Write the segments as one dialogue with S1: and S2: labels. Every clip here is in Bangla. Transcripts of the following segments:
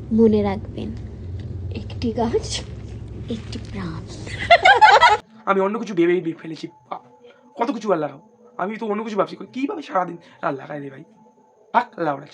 S1: মনে রাখবেন, একটি গাছ একটি প্রাণ।
S2: আমি অন্য কিছু ভেবেই ফেলেছি। কত কিছু আর লাগাও, আমি তো অন্য কিছু ভাবছি কিভাবে সারাদিন আর লাগাই রে ভাই। পাক লাউড়া।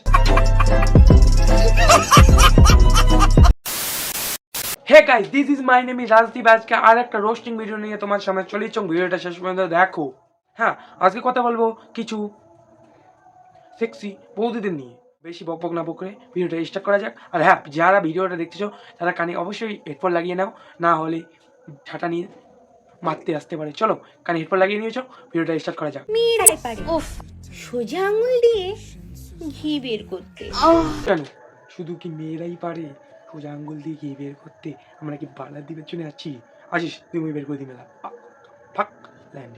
S2: Hey guys, this is my name is Rajdeep. আজকে আর একটা রোস্টিং ভিডিও নিয়ে তোমার সামনে চলে এসেছি। ভিডিওটা শেষ পর্যন্ত দেখো। হ্যাঁ, আজকে কথা বলবো কিছু সেক্সি বৌদিদের নিয়ে। বেশি বকবক না বকরে ভিডিওটা স্টার্ট করা যাক। আর হ্যাঁ, যারা ভিডিওটা দেখতেছো তারা কানে অবশ্যই হেডফোন লাগিয়ে নাও, না হলে ঝাঁটা নিয়ে মারতে আসতে পারে। চলো কানে হেডফোন লাগিয়ে নিয়েছো, ভিডিওটা স্টার্ট করা যাক।
S3: মেয়েরাই পারে ওফ সোজা আঙুল দিয়ে ঘি বের করতে।
S2: কেন শুধু কি মেয়েরাই পারে সোজা আঙ্গুল দিয়ে ঘি বের করতে? আমরা কি বালা দিবের জন্য আছি? আসিস তুমি বের করে দি মেলা। ফাক ল্যান্ডি।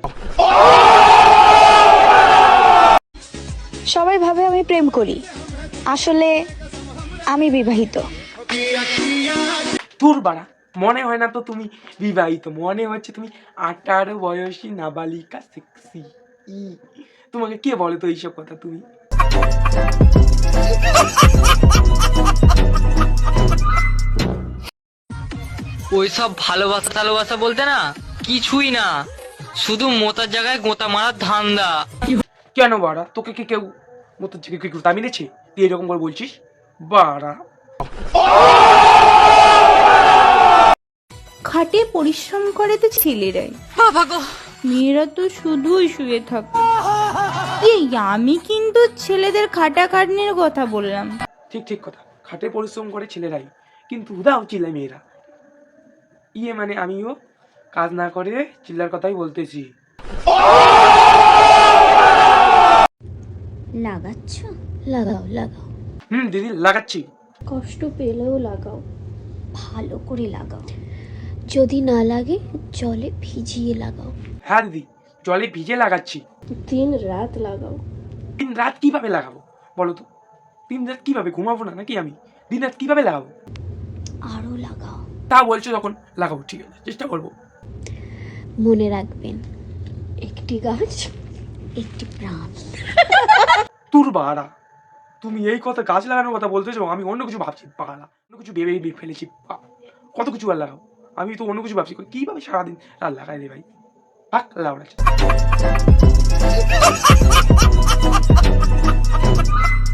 S4: সবাই ভাবে আমি প্রেম করি, আসলে আমি বিবাহিত।
S2: তোর বাড়া, মনে হয় না তো তুমি বিবাহিত, মনে হচ্ছে তুমি 18 বয়সী নাবালিকা সেক্সি। তোমাকে কে বলে তো এইসব কথা? তুমি
S5: ওইসব ভালোবাসা টালোবাসা বলতে না কিছুই না, শুধু মোতার জায়গায় গোতা মারার ধান্দা।
S2: কেন বাড়া, তোকে কি কেউ মতো কেউ দামি নিয়েছে তুই এরকম করে বলছিস? বাড়া
S3: খাটে পরিশ্রম করে তো ছেলেরাই, মেয়েরা তো শুধুই শুয়ে থাকে। এই আমি কিন্তু ছেলেদের খাটাখাটনির কথা বললাম।
S2: ঠিক ঠিক কথা, খাটে পরিশ্রম করে ছেলেরাই, কিন্তু উদাও চিল্লায় মেয়েরা। মানে আমিও কাজ না করে চিল্লার কথাই বলতেছি।
S1: লাগাচ্ছ? লাগাও লাগাও,
S2: দিদি লাগাচ্ছি।
S1: কষ্ট পেলেও লাগাও, ভালো করে লাগাও। যদি না লাগে জলে ভিজিয়ে লাগাও,
S2: হ্যাঁ দিদি, জলে ভিজে লাগাচ্ছি।
S1: দিন রাত লাগাও।
S2: দিন রাত কিভাবে লাগাবো বলো তো? দিন রাত কিভাবে ঘুমাবো না নাকি আমি? দিন রাত কিভাবে লাগাবো?
S1: আরো লাগাও।
S2: তা বলছো যখন লাগাবো, ঠিক আছে, চেষ্টা করবো।
S1: মনে রাখবেন, একটি গাছ একটি প্রাণ।
S2: তোর বাড়া, তুমি এই কথা গাছ লাগানোর কথা বলতেছো, আমি অন্য কিছু ভাবছি। পাগলা, অন্য কিছু ভেবেই ফেলেছি। কত কিছু আর লাগাও, আমি তো অন্য কিছু ভাবছি কিভাবে সারাদিন আর লাগাই রে ভাই। পাক লাউড়া।